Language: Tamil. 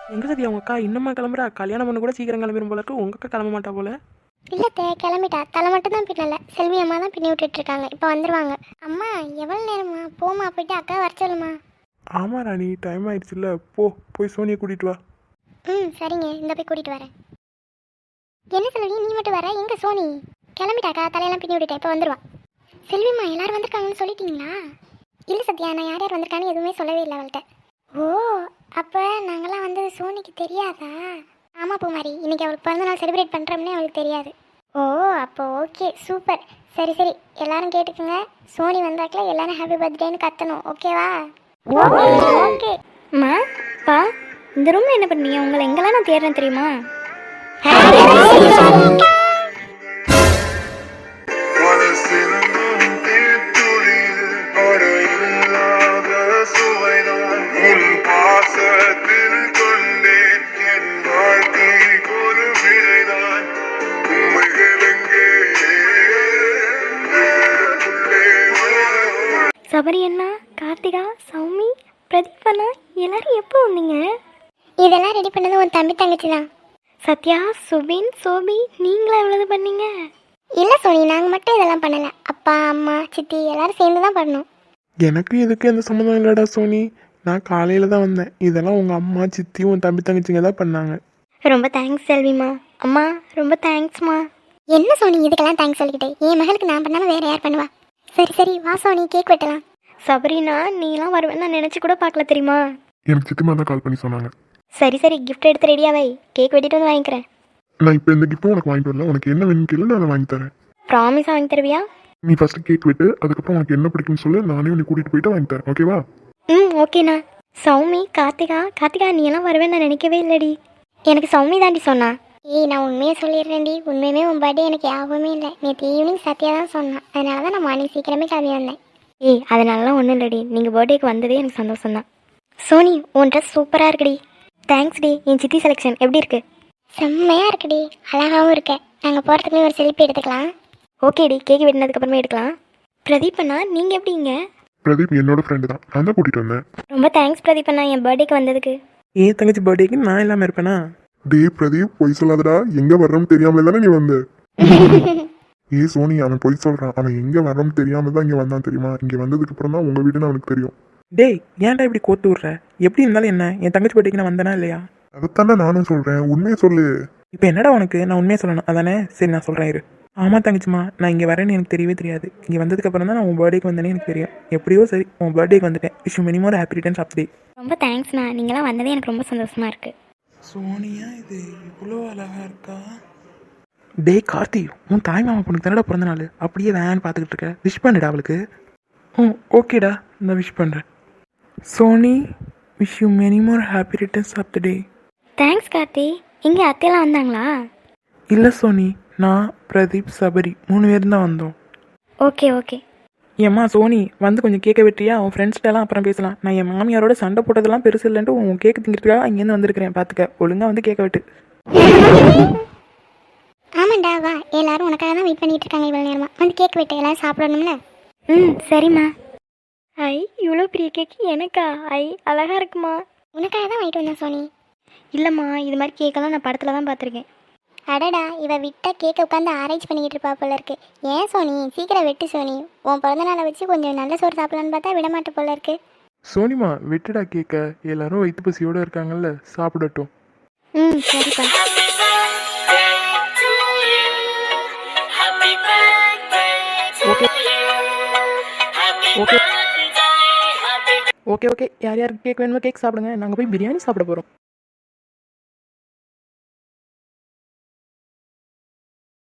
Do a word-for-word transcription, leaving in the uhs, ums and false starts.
எங்க சத்யா உங்க அக்கா இன்னுமா கிளம்புறா? கல்யாணம் பண்ண கூட சீக்கிரம் கிளம்பிடும் போல இருக்கு. உங்க அக்கா கிளம்ப மாட்டா போல. இல்லை தே கிளம்பிட்டா. தலை மட்டும் தான் பின்னல. செல்வி அம்மா தான் பின்னி விட்டுட்டு இருக்காங்க. இப்போ வந்துருவாங்க. அம்மா எவ்வளோ நேரமா? போமா போயிட்டு அக்கா வர சொல்லுமா. ஆமா ராணி, டைம் ஆயிடுச்சுல்ல. போ போய் சோனியை கூட்டிட்டு வா. ம் சரிங்க, இந்த போய் கூட்டிட்டு வரேன். என்ன செல்வி நீ மட்டும் வர? எங்க சோனி? கிளம்பிட்டாக்கா, தலையெல்லாம் பின்னி விட்டுட்டேன். இப்போ வந்துருவா. செல்விம்மா எல்லாரும் வந்திருக்காங்கன்னு சொல்லிட்டீங்களா? இல்லை சத்யா, நான் யார் யார் வந்திருக்கான்னு எதுவுமே சொல்லவே இல்லை அவள்கிட்ட. ஓ, அப்போ நாங்களாம் வந்தது சோனிக்கு தெரியாதா? ஆமாம் பூமாரி, இன்னைக்கு அவளுக்கு பிறந்த நாள் செலிப்ரேட் பண்ணுறோம்னே அவளுக்கு தெரியாது. ஓ அப்போ ஓகே, சூப்பர். சரி சரி, எல்லாரும் கேட்டுக்குங்க. சோனி வந்தாக்கில் எல்லாரும் ஹாப்பி பர்த்டேன்னு கத்தணும், ஓகேவா? ஓகே. அம்மா பா, இந்த ரூமில் என்ன பண்ணீங்க? உங்களை எங்கெல்லாம் நான் தேடுறேன் தெரியுமா? சபரி அண்ணா, கார்த்திகா, சௌமி, பிரதீப் அண்ணா, எல்லாரும் எப்போ வந்தீங்க? இதெல்லாம் ரெடி பண்ணது உன் தம்பி தங்கச்சி தான். சத்யா, சுபின், சோபி, நீங்களா எவ்வளவு பண்ணீங்க? இல்லை சோனி, நாங்கள் மட்டும் இதெல்லாம் பண்ணலை. அப்பா அம்மா சித்தி எல்லாரும் சேர்ந்து தான் பண்ணோம். எனக்கு இதுக்கு எந்த சம்மந்தம் இல்லடா சோனி. நான் காலையில தான் வந்தேன். இதெல்லாம் உங்க அம்மா சித்தி உன் தம்பி தங்கச்சிங்க தான் பண்ணாங்க. ரொம்ப தேங்க்ஸ் செல்விமா. அம்மா ரொம்ப தேங்க்ஸ்மா. என்ன சோனி இதுக்கெல்லாம் தேங்க்ஸ் சொல்லிக்கிட்டே? என் மகளுக்கு நான் பண்ணாமல் வேற யார் பண்ணுவா? சரி சரி வா சோனி, கேக் வெட்டலாம். சபரினா, நீலாம் வருவேன் நான் நினச்சி கூட பார்க்கல தெரியுமா? எனக்கு சித்திமா தான் கால் பண்ணி சொன்னாங்க. சரி சரி, கிஃப்ட் எடுத்து ரெடியாவை, கேக் வெட்டிட்டு வந்து வாங்கிக்கிறேன். நான் இப்போ இந்த கிஃப்ட்டும் உனக்கு வாங்கிட்டு வரல. உனக்கு என்ன வேணும்னு கேளு, நான் அதை வாங்கி தரேன். ப்ராமிஸாக வாங்கி தருவியா? நீ ஃபர்ஸ்ட் கேக் வெட்டு, அதுக்கப்புறம் உனக்கு என்ன பிடிக்கும்னு சொல்லு. நானே உன்னை கூட்டிட்டு போயிட்டு வாங்கி தரேன், ஓகேவா? ம் ஓகேண்ணா. சௌமி, கார்த்திகா, கார்த்திகா நீ எல்லாம் வருவேன் நான் நினைக்கவே இல்லடி. எனக்கு சௌமி தாண்டி சொன்னா. ஏய் நான் உண்மையை சொல்லிடுறேன்டி. உண்மையுமே உன் பர்த்டே எனக்கு யாபமே இல்லை. நேற்று ஈவினிங் சத்யா தான் சொன்னான். அதனால தான் நான் மார்னிங் சீக்கிரமே கிளம்பி வந்தேன். ஏய் அதனாலலாம் ஒன்றும் இல்லடி, நீங்கள் பர்த்டேக்கு வந்ததே எனக்கு சந்தோஷம் தான். சோனி, உன் ட்ரெஸ் சூப்பராக இருக்குடி. Thanks D. என் சித்தி செலெக்ஷன் எப்படி இருக்கு? செம்மையாக இருக்குடி, அழகாகவும் இருக்க. நாங்கள் போகிறதுக்குமே ஒரு செல்ஃபி எடுத்துக்கலாம். ஓகேடி, கேக் வெட்டினதுக்கப்புறமே எடுக்கலாம். பிரதீப் அண்ணா, நீங்கள் எப்படிங்க? பிரதீப் என்னோட ஃப்ரெண்டு தான், நான் தான் கூட்டிட்டு வந்தேன். ரொம்ப தேங்க்ஸ் பிரதீப் அண்ணா, என் பர்த்டேக்கு வந்ததுக்கு. ஏன் தங்கச்சி பர்த்டேக்கு நான் இல்லாமல் இருப்பேனா? டே பிரதீப், பொய் சொல்லாதடா. எங்க வர்றோம்னு தெரியாமலே தானே நீ வந்த. ஏ சோனி, அவன் பொய் சொல்றான். அவன் எங்க வர்றோம்னு தெரியாம தான் இங்க வந்தான் தெரியுமா? இங்க வந்ததுக்கு அப்புறம் தான் உங்க வீடுன்னு அவனுக்கு தெரியும். டேய் ஏன்டா இப்படி கோத்து விட்ற? எப்படி இருந்தாலும் என்ன, என் தங்கச்சி பர்த்டேக்கு நான் வந்தேனா இல்லையா? அதைத்தாண்டா நானும் சொல்றேன், உண்மையை சொல்லு. இப்போ என்னடா உனக்கு? நான் உண்மையை சொல்லணும் அதானே? சரி நான் சொல்கிறேன் இரு. ஆமாம் தங்கச்சிம்மா, நான் இங்கே வரேன்னு எனக்கு தெரியவே தெரியாது. இங்கே வந்ததுக்கப்புறம் தான் நான் உன் பர்த்டேக்கு வந்தேனே எனக்கு தெரியும். எப்படியோ சரி, உன் பர்த்டேக்கு வந்துட்டேன். விஷ் மினிமம் ஒரு ஹாப்பி ரிட்டர்ன்ஸ் ஆஃப் டே. ரொம்ப தேங்க்ஸ்ண்ணா, நீங்களாம் வந்ததே எனக்கு ரொம்ப சந்தோஷமாக இருக்குது. சோனியா இது இவ்வளோ அழகா இருக்கா? டேய் கார்த்தி, உன் தாய் மாமா பொண்ணுக்கு தானடா பிறந்த நாள். அப்படியே வேன் பார்த்துக்கிட்டு இருக்க. விஷ் பண்ணுடா அவளுக்கு. ம் ஓகேடா, நான் விஷ் பண்ணுறேன். Soni, wish you many more happy returns of the day. Thanks Karthi. இங்கே அத்தையெல்லாம் வந்தாங்களா? இல்லை சோனி, நான் பிரதீப் சபரி மூணு பேரும் தான் வந்தோம். Okay okay. ஏம்மா சோனி, வந்து கொஞ்சம் கேட்க வெட்டியா? உன் ஃப்ரெண்ட்ஸ்கிட்டலாம் அப்புறம் பேசலாம். நான் என் மாமியாரோட சண்டை போட்டதெல்லாம் பெருசு இல்லைன்ட்டு உன் கேக்கு திங்கிறதுக்காக அங்கேருந்து வந்திருக்கிறேன். பார்த்துக்க, ஒழுங்காக வந்து கேட்க வெட்டு. ஆமாண்டா வா, எல்லாரும் உனக்காக தான் வெயிட் பண்ணிட்டு இருக்காங்க இவ்வளோ நேரமா. வந்து கேக் வெட்டு, எல்லாரும் சாப்பிடணும்ல. ம் சரிம்மா. ஐ இவ்வளோ பெரிய கேக்கு எனக்கா? ஐ அழகாக இருக்குமா? உனக்காக தான் வாங்கிட்டு வந்தேன் சோனி. இல்லைம்மா, இது மாதிரி கேக்கெல்லாம் நான் படத்தில் தான் பார்த்துருக்கேன். அடடா, இவ விட்டா கேக்கை உட்காந்து ஆரேஞ்ச் பண்ணிக்கிட்டு இருப்பா போல இருக்கு. ஏன் சோனி, சீக்கிரம் வெட்டு சோனி. உன் பிறந்த நாளை வச்சு கொஞ்சம் நல்ல சோறு சாப்பிடலான்னு பார்த்தா விட மாட்ட போல இருக்கு. சோனிமா வெட்டுடா கேட்க. எல்லாரும் வயிற்று பசியோடு இருக்காங்கல்ல, சாப்பிடட்டும். ம் சரிப்பா. ஓகே ஓகே ஓகே ஓகே யார் யாருக்கு கேக் வேணுமோ கேக் சாப்பிடுங்க. நாங்கள் போய் பிரியாணி சாப்பிட போகிறோம்.